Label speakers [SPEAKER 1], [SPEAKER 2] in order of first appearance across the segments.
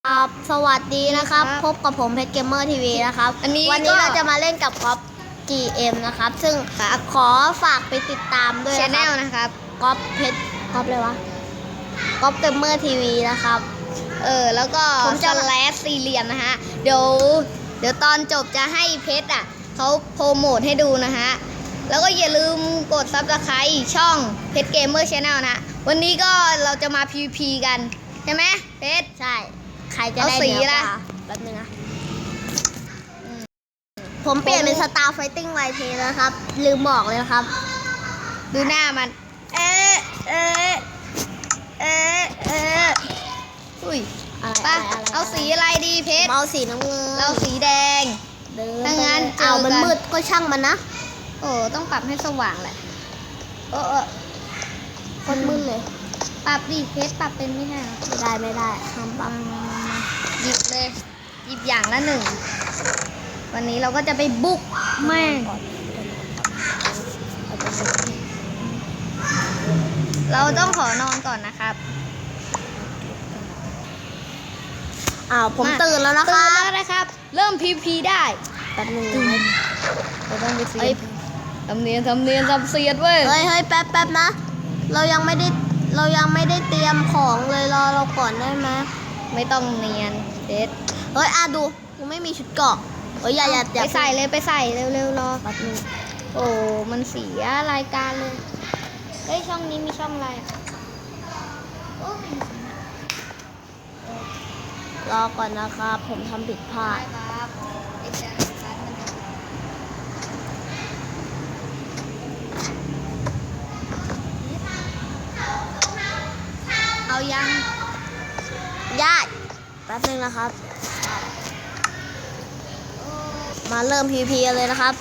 [SPEAKER 1] ครับสวัสดีนะครับพบกับผมเพชรเกมเมอร์ทีวีนะครับวันนี้เราจะมาเล่นกับก๊อฟ GM นะครับซึ่งขอฝากไปติดตามด้วย
[SPEAKER 2] นะครับ
[SPEAKER 1] ก๊อฟเพชรก๊อฟเลยวะก๊อฟเกมเมอร์ทีวีนะครับ
[SPEAKER 2] แล้วก็
[SPEAKER 1] ผมจะ
[SPEAKER 2] แลสสี่เหลี่ยมนะฮะเดี๋ยวตอนจบจะให้เพชรเขาโปรโมทให้ดูนะฮะแล้วก็อย่าลืมกดซับสไครต์ช่องเพชรเกมเมอร์ชาแนลนะวันนี้ก็เราจะมา PVP กันใช่ไหมเพชร
[SPEAKER 1] ใช่ใครจะได้
[SPEAKER 2] สีละ
[SPEAKER 1] แป๊บนึงนะผมเปลี่ยนเป็นสตาร์ไฟติ้งไวทีนะครับลืมบอกเลยนะครับ
[SPEAKER 2] ดูหน้ามันอุ้ยป่ะเอาสีอะไรดีเพชร
[SPEAKER 1] เอาสีน้ำเงิน
[SPEAKER 2] เราสีแดงถ้างั้น
[SPEAKER 1] มันมืดก็ช่างมันนะ
[SPEAKER 2] ต้องปรับให้สว่างแหละ
[SPEAKER 1] คนมืดเลย
[SPEAKER 2] ปรับดิเพชรปรับเป็นไม่ได้
[SPEAKER 1] ไม่ได้ห้ามปรับ
[SPEAKER 2] หยิบเลยหยิบอย่างละหนึ่งวันนี้เราก็จะไปบุกแม่งเราต้องขอนอนก่อนนะครับ
[SPEAKER 1] ผมตื่นแล้ว
[SPEAKER 2] นะครับ เริ่ม PVP ได้
[SPEAKER 1] แป๊บนึง
[SPEAKER 2] เราต้องไปเสียทำเนียนทำเสียดเว้ย
[SPEAKER 1] เฮ้ยแป๊บนะเรายังไม่ได้เตรียมของเลยรอเราก่อนได้ไหม
[SPEAKER 2] ไม่ต้องเนียนเด็ด
[SPEAKER 1] ดูกูไม่มีชุดเกราะอย่า
[SPEAKER 2] ไปใส่เลยไปใส่เร็วๆรอ
[SPEAKER 1] แป๊บนึง
[SPEAKER 2] มันเสียรายการเลยช่องนี้มีช่องอะไร
[SPEAKER 1] รอก่อนนะครับผมทำผิดพลาด
[SPEAKER 2] เอายัง
[SPEAKER 1] ญาติแป๊บนึงนะครับมาเริ่ม PVP เลยนะครับ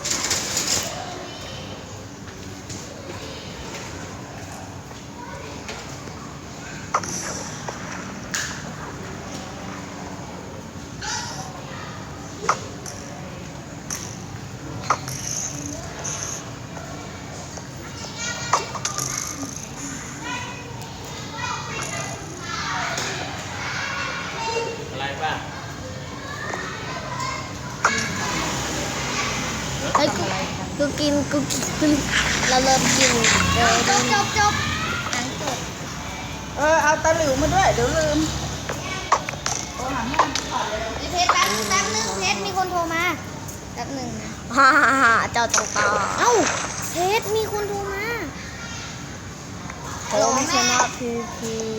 [SPEAKER 1] กูกินเราเริ่มกิน
[SPEAKER 2] จบหนังจบ
[SPEAKER 1] เอาตะหลิวมาด้วยเดี๋ยวลืม
[SPEAKER 2] เพชรแป๊บนึงเพชรมีคนโทรมาแป๊บนึงนะ
[SPEAKER 1] เจ้าจังตา
[SPEAKER 2] เพชรมีคนโทรมา
[SPEAKER 1] เราไม่ชนะPVP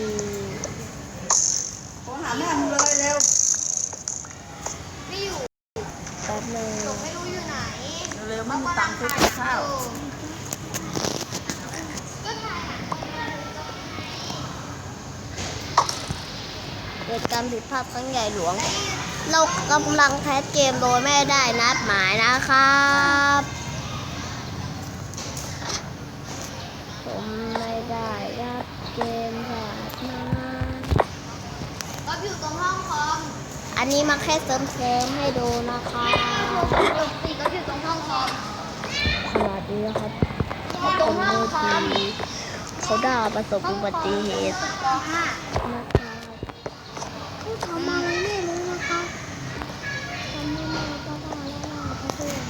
[SPEAKER 3] โทรหาแม่มึงเลยเร็ว
[SPEAKER 2] ไม่อยู่
[SPEAKER 1] แป๊บนึง
[SPEAKER 2] ไม่รู้อยู่ไหน
[SPEAKER 3] เร็วไม่มีตังค์ซื้อกับข้าว
[SPEAKER 1] เกิดการผิดพลาดครั้งใหญ่หลวงเรากำลังแพ้เกมโดยไม่ได้นัดหมายนะครับผมไม่ได้นัดเกมผ่านมา
[SPEAKER 2] ก็อยู่ตรงห้องคอม
[SPEAKER 1] อันนี้มาแค่เสริมให้ดูนะคะ
[SPEAKER 2] ก็อยู่ตรงห้องคอม
[SPEAKER 1] ขนาดนี้นะครับ
[SPEAKER 2] ตรงห้องคอม
[SPEAKER 1] เขาด่าประสบอุบัติเหตุนะคะทำอะไรไม่รู้นะคะทำไม่มาก็ได้แล้วเขาพูด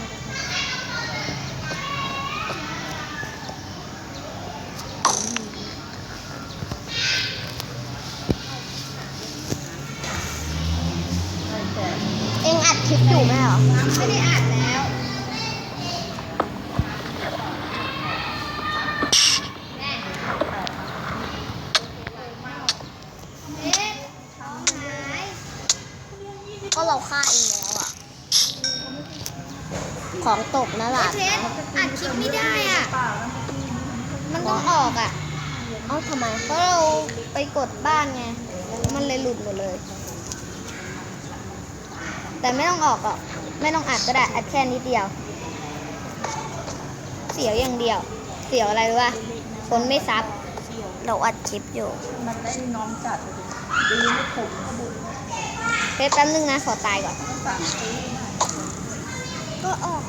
[SPEAKER 1] เอ็งอัดคลิปอยู่ไหมเหรอ
[SPEAKER 2] ไม่ได้อ่านแล้ว
[SPEAKER 1] ก็เราฆ่าเองแล้วอ่ะของตกนะล่ะ
[SPEAKER 2] เพชรอัดคลิปไม่ได้มันต้องออก
[SPEAKER 1] ทำไม
[SPEAKER 2] เพราะเราไปกดบ้านไงมันเลยหลุดหมดเลยแต่ไม่ต้องออกไม่ต้องอัดก็ได้อัดแค่นิดเดียวเสียวอย่างเดียวเสียวอะไรรู้ป่ะคนไม่ซับ
[SPEAKER 1] เราอัดคลิปอยู่
[SPEAKER 3] มันได้น้องจัดดีไม่ขม
[SPEAKER 2] เพชรแป๊บนึงนะขอตายก่อน
[SPEAKER 1] ก็ออก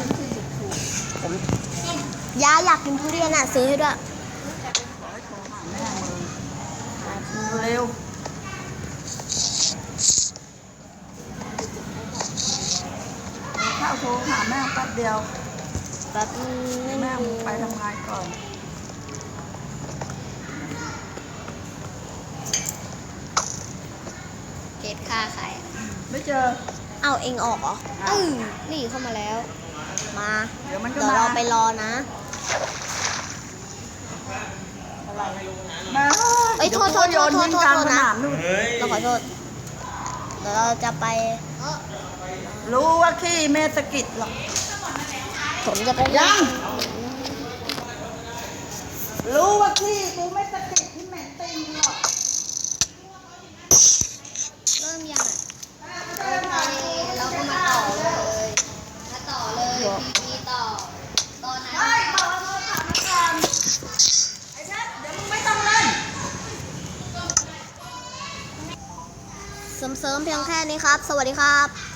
[SPEAKER 1] อยากกินทุเรียนซื้อให้ด้วย
[SPEAKER 3] เร็วาวโทรหาแม่แป๊บเดียว
[SPEAKER 1] แบบไม่
[SPEAKER 3] แม่
[SPEAKER 1] มี
[SPEAKER 3] ไปทำงานก่อน
[SPEAKER 2] เพชรฆ่าใคร
[SPEAKER 3] ไม่เจอ
[SPEAKER 1] เอาเองออกเหรอ
[SPEAKER 2] นี่เข้ามาแล้ว
[SPEAKER 1] มา
[SPEAKER 3] เดี๋ยวมันก็
[SPEAKER 1] เดี๋ยว
[SPEAKER 3] มา
[SPEAKER 1] เราไปรอนะ
[SPEAKER 3] มา
[SPEAKER 1] เอ้ยโทษ
[SPEAKER 3] เดี๋ยวกูโยนทิ้งกลางสนามนู่น
[SPEAKER 1] เราขอโทษ เดี๋ยวเราจะไป
[SPEAKER 3] รู้ว่าขี้เมสกิดหรอก
[SPEAKER 1] ผมจะไป
[SPEAKER 3] ยัง รู้ว่าขี้กูไม่สกิดที่แม่ตีนหรอก
[SPEAKER 2] เริ่มยังอ่ะโอเคเราก็มาต่อเลยพีต่อตอนนั้น
[SPEAKER 3] ไอ้บอกว่าเราถามมาก่อนไอ้ชัดเดี๋ยวมึงไม่ต้องเล่น
[SPEAKER 1] เสริมๆเพียงแค่นี้ครับ สวัสดีครับ